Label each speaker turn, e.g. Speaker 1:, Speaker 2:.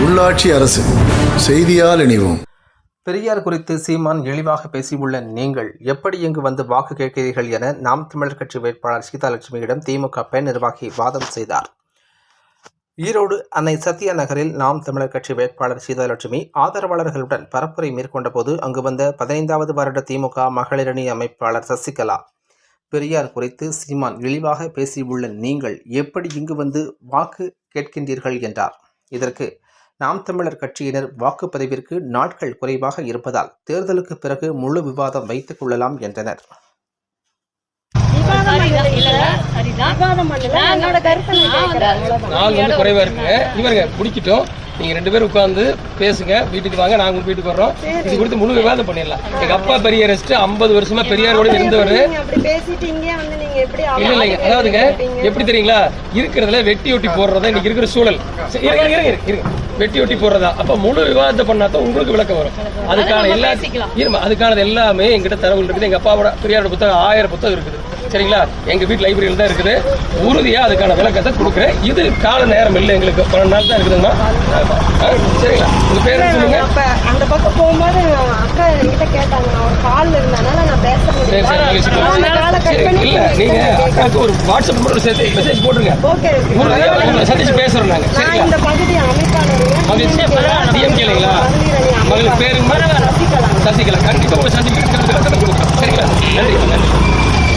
Speaker 1: உள்ளாட்சி அரசு செய்தியால் இணைவோம்.
Speaker 2: பெரியார் குறித்து சீமான் இழிவாக பேசியுள்ள நீங்கள் எப்படி இங்கு வந்து வாக்கு கேட்கிறீர்கள் என நாம் தமிழர் கட்சி வேட்பாளர் சீதாலட்சுமியிடம் திமுக பெண் நிர்வாகி வாதம் செய்தார். ஈரோடு அன்னை சத்யா நகரில் நாம் தமிழர் கட்சி வேட்பாளர் சீதாலட்சுமி ஆதரவாளர்களுடன் பரப்புரை மேற்கொண்ட போது அங்கு வந்த 15வது வருட திமுக மகளிரணி அமைப்பாளர் சசிகலா, பெரியார் குறித்து சீமான் இழிவாக பேசியுள்ள நீங்கள் எப்படி இங்கு வந்து வாக்கு கேட்கின்றீர்கள் என்றார். இதற்கு நாம் தமிழர் கட்சியினர் வாக்குப்பதிவிற்கு நாட்கள் குறைவாக இருப்பதால் தேர்தலுக்கு பிறகு முழு விவாதம் வைத்துக் கொள்ளலாம் என்றனர்.
Speaker 3: நாள் வந்து குறைவா இருக்குங்க. இவருங்க குடிக்கிட்டோம், நீங்க 2 பேரும் உட்கார்ந்து பேசுங்க, வீட்டுக்கு வாங்க, நாங்க வீட்டுக்கு வர்றோம். இது குறித்து முழு விவாதம் பண்ணிடலாம். எங்க அப்பா பெரியாரிஸ்ட் 50 வருஷமா பெரியாரோட இருந்தவர். இல்ல இல்லைங்க, அதாவதுங்க எப்படி தெரியுங்களா, இருக்கிறதுல வெட்டி ஒட்டி போடுறதா இன்னைக்கு இருக்கிற சூழல். வெட்டி ஒட்டி போடுறதா, அப்ப முழு விவாதத்தை பண்ணாதான் உங்களுக்கு விளக்கம் வரும். அதுக்கானது எல்லாமே எங்கிட்ட தரவுகள் இருக்குது. எங்க அப்பாவோட பெரியாரோட புத்தகம் 1000 புத்தகம் இருக்குது. சரிங்களா, எங்க வீட்டு லைப்ரரியில் தான் இருக்குது. உறுதியா அதுக்கான விளக்கத்தை கொடுக்குறேன். இது கால நேரம் இல்லை, எங்களுக்கு 12 நாள் தான் இருக்குதுங்கம்மா. சரிங்களா, உங்க பேர் சொல்லுங்க.
Speaker 4: அந்த பக்கம் போகும்போது அக்கா என்கிட்ட கேட்டாங்க, நான் ஒரு கால் இருந்தனால நான் பேச
Speaker 3: இல்ல, நீங்க அக்காவுக்கு ஒரு வாட்ஸ்அப் நம்பர் சேர்த்து மெசேஜ் போட்டுருங்க. உங்களை சந்திச்சு பேசுறோம் நாங்க. சரிங்களா,
Speaker 4: இந்த பகுதி அமைப்பாளர்
Speaker 3: டிஎம்கேங்களா, மகளுக்கு பேருங்க சசிகலா. கண்டிப்பா உங்களை சந்திக்க கொடுக்குறோம். சரிங்களா, நன்றி.